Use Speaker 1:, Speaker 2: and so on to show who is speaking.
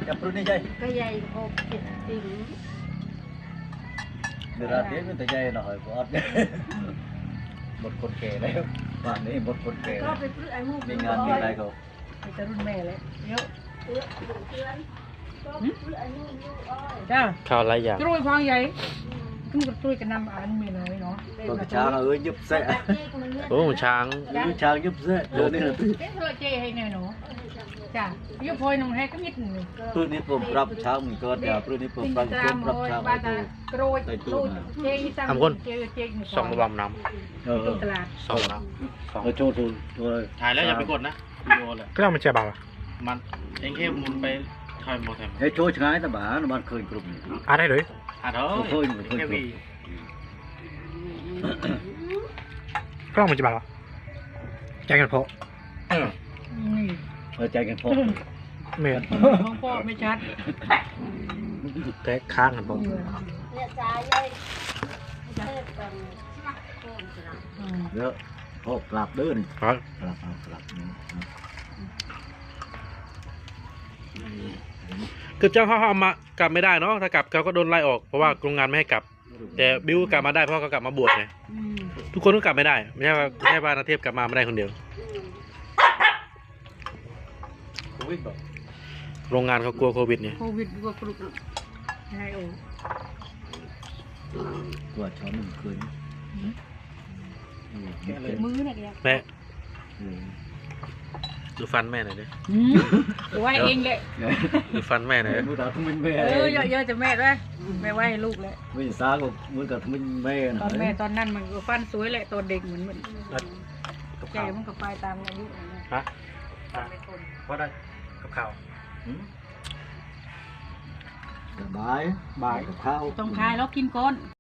Speaker 1: จับรุ่นนี้ใช่
Speaker 2: ก็ใหญ่โอ้เจ็ดสิง
Speaker 1: เดือดเตี้ยมันแต่ใหญ่หน่อยกว่าหมดคนแก่แล้วบ้านนี้หมดคนแก่ก็ไปซื้อไอ้มูมีงานมีอะไรก็
Speaker 2: ไปจะรุ่นแม่เลยเยอะจ้า
Speaker 3: ข้าวไรอย่าง
Speaker 2: ตุ้ยฟองใหญ่ตุ้ยกับตุ้ยกันนำอ่านมีน้อยเนาะ
Speaker 1: ตัวช้างยุบเสะ
Speaker 3: โอ้ช้าง
Speaker 1: ช้างยุบเสะเดี๋ยวนี้
Speaker 2: เอ๊ะเราเจให้แน่หนูจ้ายุบพลอยน้องให้ก็นิดหนึ่ง
Speaker 1: ตัวนี้ผมรับช้างมันก็เดี๋ยวตัวนี้ผมรับช้างรับช้าง
Speaker 2: โรยโรยเจตั้ง
Speaker 3: ทำคนสองระบำน้
Speaker 2: ำตลาด
Speaker 3: สองน้
Speaker 1: ำโชว์ตัว
Speaker 3: ถ่ายแล้วอย่าไปกดนะวิดีโอเลยก็ต้องมันจะเบามันเองแค่หมุนไปทอยโมเทม
Speaker 1: ให้โชว์ช้างแต่บ้านมันเคยกลุ่ม
Speaker 3: ได้เลย
Speaker 1: เคยแค่วี
Speaker 3: ก็ต้องมันจะเบาใจกันพอ
Speaker 1: ใจกันพอ
Speaker 3: เมีย
Speaker 2: ของพ่อไม่ชัด
Speaker 3: แค่ค้างกันพอ
Speaker 1: เยอะพอกลับเดินกลับ
Speaker 3: คือเจ้าเขาเอามากลับไม่ได้เนาะถ้ากลับเขาก็โดนไล่ออกเพราะว่าโรงงานไม่ให้กลับแต่บิวกลับมาได้เพราะเขากลับมาบวชไงทุกคนก็กลับไม่ได้ไม่ใช่ว่านาเทพกลับมาไม่ได้คนเดียวโรงงานเขากลัวโควิดไง
Speaker 2: โควิดกลัวกรุบใช่โอ้
Speaker 1: กลัวช้อนมันคืน
Speaker 2: มือเนี่ย
Speaker 3: แม่ดูฟันแม่หน่อยดิ
Speaker 2: ไหวเองเลย
Speaker 3: ดูฟันแม่หน่อย
Speaker 1: มือตาทุ่มเป็นแม่
Speaker 2: เยอะจะแม่ด้วยแม่ไหวให้ลูกเลย
Speaker 1: ไม่ซาก็มือกับทุ่มเป็นแม่
Speaker 2: ตอนแม่ตอนนั้นมันก็ฟันสวยแหละตอนเด็กเหมือนแกมันก็ไปตามอายุ
Speaker 3: ฮะเพราะได้กับข่าว
Speaker 1: บายกับข้าว
Speaker 2: ต้องคายแล้วกินก้อน